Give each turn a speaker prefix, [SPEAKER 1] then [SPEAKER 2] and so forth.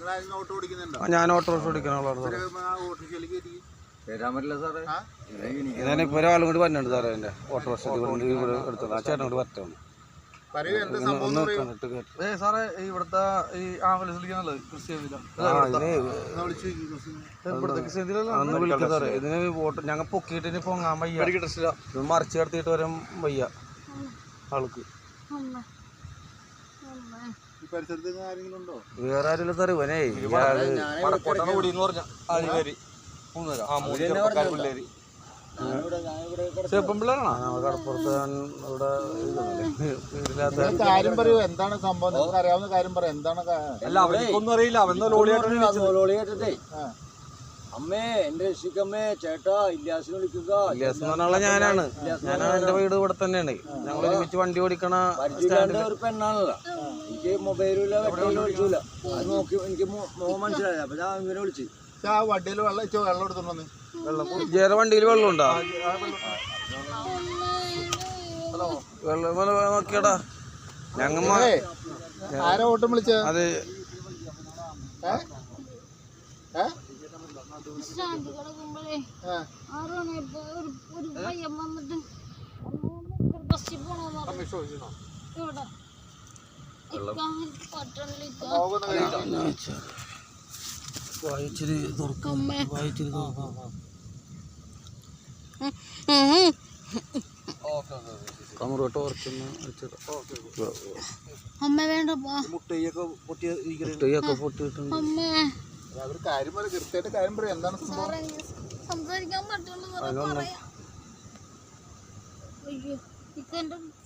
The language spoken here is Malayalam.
[SPEAKER 1] ഞാൻ ഓട്ടോറിക്ഷ ഓടിക്കുന്ന ആളാണ് സാറേ. ഞാനിപ്പോൾ ഒരാളും കൂടി വന്നിട്ടുണ്ട് സാറേ. എൻ്റെ ഓട്ടോറിക്ഷ ഇവിടെ എടുത്തത് ആ ചേട്ടൻ കൂടി വരട്ടാണ്.
[SPEAKER 2] സാറേ ഇവിടുത്തെ ഈ ആംബുലൻസ് വിളിക്കാനുള്ളത്
[SPEAKER 1] അന്ന് വിളിക്കാം സാറേ. ഇതിന് ഞങ്ങൾ പൊക്കിയിട്ട് ഇനി പൊങ്ങാൻ വയ്യ, മറിച്ച് കിടത്തിയിട്ട് വരാൻ വയ്യ ആൾക്ക്. വേറെ ആരും സാറേ. ഇവനേ കടപ്പുറത്ത്
[SPEAKER 3] കാര്യം പറയൂ, എന്താണ് സംഭവം? നിങ്ങൾക്ക് അറിയാവുന്ന കാര്യം പറയാം. എന്താണ്?
[SPEAKER 2] അല്ല അവർക്കൊന്നും അറിയില്ല.
[SPEAKER 4] അമ്മേ എന്റെ രക്ഷിക്കമ്മേ ചേട്ടാ ഇല്യാസിനെ വിളിക്കുക.
[SPEAKER 1] ഇല്യാസ് എന്ന് പറഞ്ഞാൽ ഞാനാണ്. എന്റെ വീട് ഇവിടെ തന്നെയാണ്. ഞങ്ങൾ ഒരുമിച്ച് വണ്ടി ഓടിക്കണ
[SPEAKER 4] ഒരു പെണ്ണാണല്ലോ. എനിക്ക് മൊബൈലില്ല, വെട്ടമില്ല, വിളിച്ചില്ല. അത് നോക്കി എനിക്ക് മോഹം മനസ്സിലായി. അപ്പൊ ഞാൻ ഇങ്ങനെ വിളിച്ചു.
[SPEAKER 3] ആ വണ്ടിയിൽ വെള്ളം എടുത്തോണ്ടെന്ന്.
[SPEAKER 1] ജേറെ വണ്ടിയിൽ വെള്ളം ഉണ്ടോ? വെള്ളം നോക്കിയടാ. ഞങ്ങ
[SPEAKER 3] ആരാ ഓട്ടം വിളിച്ച?
[SPEAKER 1] അത് വായിച്ചിരി തുറക്കും. വായിച്ചിരി തുറക്കും. കമറോട്ട് ഓർക്കുന്ന മുട്ടയൊക്കെ പൊട്ടിയിട്ടുണ്ട്.
[SPEAKER 3] അവർ കാര്യം പറയും, കൃത്യമായിട്ട് കാര്യം പറയും. എന്താണ്
[SPEAKER 5] സംസാരിക്കാൻ പറ്റുള്ളൂ.